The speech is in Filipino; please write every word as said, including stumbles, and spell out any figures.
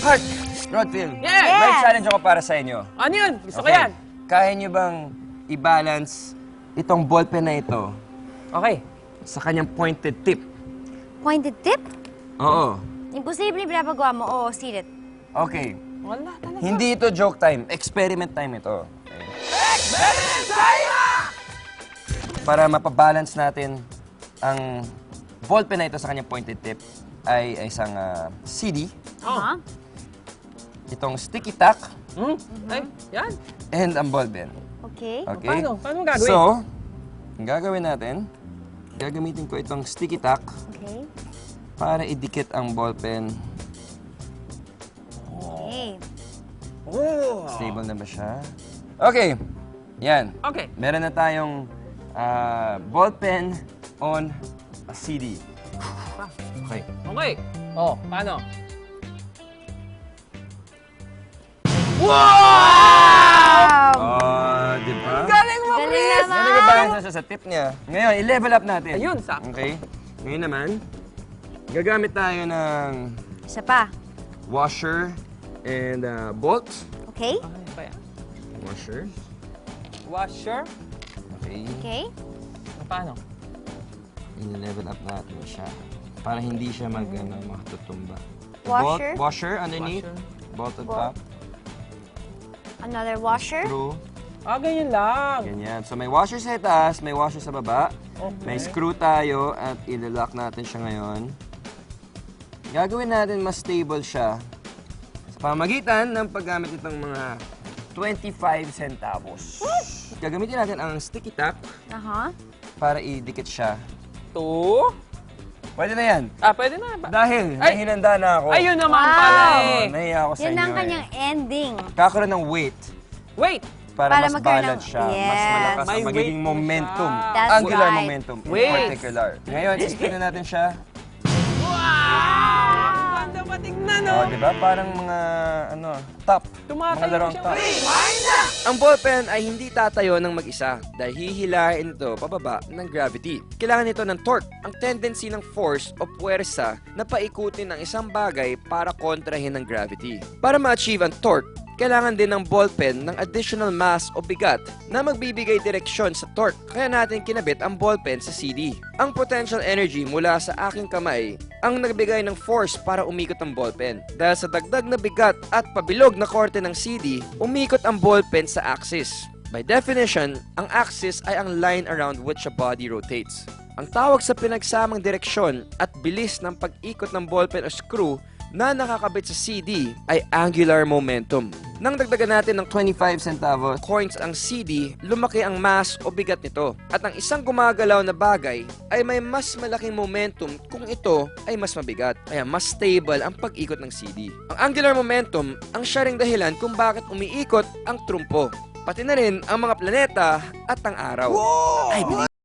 Heart! Rodfield, Yes! may challenge ako para sa inyo. Ano yun? Gusto ko Okay. yan. Kaya nyo bang i-balance itong ballpen na ito Okay. sa kanyang pointed tip? Pointed tip? Oo. Imposible pinapagawa mo. Oo, seal it. Okay. Wala talaga. Hindi ito joke time. Experiment time ito. Okay. Para mapabalance natin ang ballpen na ito sa kanyang pointed tip ay, ay isang ah, C D, Aha. itong sticky tack, Hmm? Ay, yan. and ang ballpen. Okay. Okay? Paano? Paano mo gagawin? So, ang gagawin natin, gagamitin ko itong sticky tack Okay. para idikit ang ballpen. Okay. Oh. Stable na ba siya? Okay. Yan. Okay. Meron na tayong ah, ballpen on a C D. Okay. Okay. Oh, paano? Wow! Oh, di ba? Galing mo, Galing Chris! naman. Yan, nag-balance na siya sa tip niya. Ngayon, i-level up natin. Ayun, sakto. Okay? Ngayon naman, gagamit tayo ng Isa pa. washer and uh, bolt. Okay. Okay, pa yan. Washer. Washer. Okay. Okay. Paano? I-level up natin siya. Para hindi siya mag, ano, matutumba. Washer. Bolt, washer underneath. Washer. Bolt on Bolt. top. Another washer. Screw. Ah, ganyan lang. Ganyan. So may washer sa itaas, may washer sa baba. Okay. May screw tayo at i-lock natin siya ngayon. Gagawin natin mas stable siya sa pamagitan ng paggamit nitong mga twenty-five centavos. Gagamitin natin ang sticky tack Aha. para idikit siya. Two. Pwede na yan. Ah, pwede na. Ba- Dahil Ay! may hinanda na ako. Ayun naman Wow. pala Oh, eh. nahiya ako sa Yan inyo ang kanyang eh. ending. Kakaroon ng weight Wait. para, Para mas magkaroon balance ng- siya. Mas Yes. malakas May ang magiging weight po momentum. siya. That's Angular right. momentum in Weight. particular. Ngayon, i-spin na natin siya. Wow! Ang ganda pa tignan, Oh, oh. di ba? Parang mga, ano, top. Tumatayo mga larong siya. top. Wait. Ang ballpen ay hindi tatayo ng mag-isa dahil hihilahin ito pababa ng gravity. Kailangan nito ng torque, ang tendency ng force o puwersa na paikutin ang isang bagay para kontrahin ng gravity. Para ma-achieve ang torque, kailangan din ng ballpen ng additional mass o bigat na magbibigay direksyon sa torque. Kaya natin kinabit ang ballpen sa C D. Ang potential energy mula sa aking kamay ang nagbigay ng force para umikot ang ballpen. Dahil sa dagdag na bigat at pabilog na korte ng C D, umikot ang ballpen sa axis. By definition, ang axis ay ang line around which a body rotates. Ang tawag sa pinagsamang direksyon at bilis ng pag-ikot ng ballpen o screw na nakakabit sa C D ay angular momentum. Nang dagdagan natin ng twenty-five centavos coins ang C D, lumaki ang mass o bigat nito. At ang isang gumagalaw na bagay ay may mas malaking momentum kung ito ay mas mabigat. Kaya mas stable ang pag-ikot ng C D. Ang angular momentum ang siya ring dahilan kung bakit umiikot ang trumpo. Pati na rin ang mga planeta at ang araw. I believe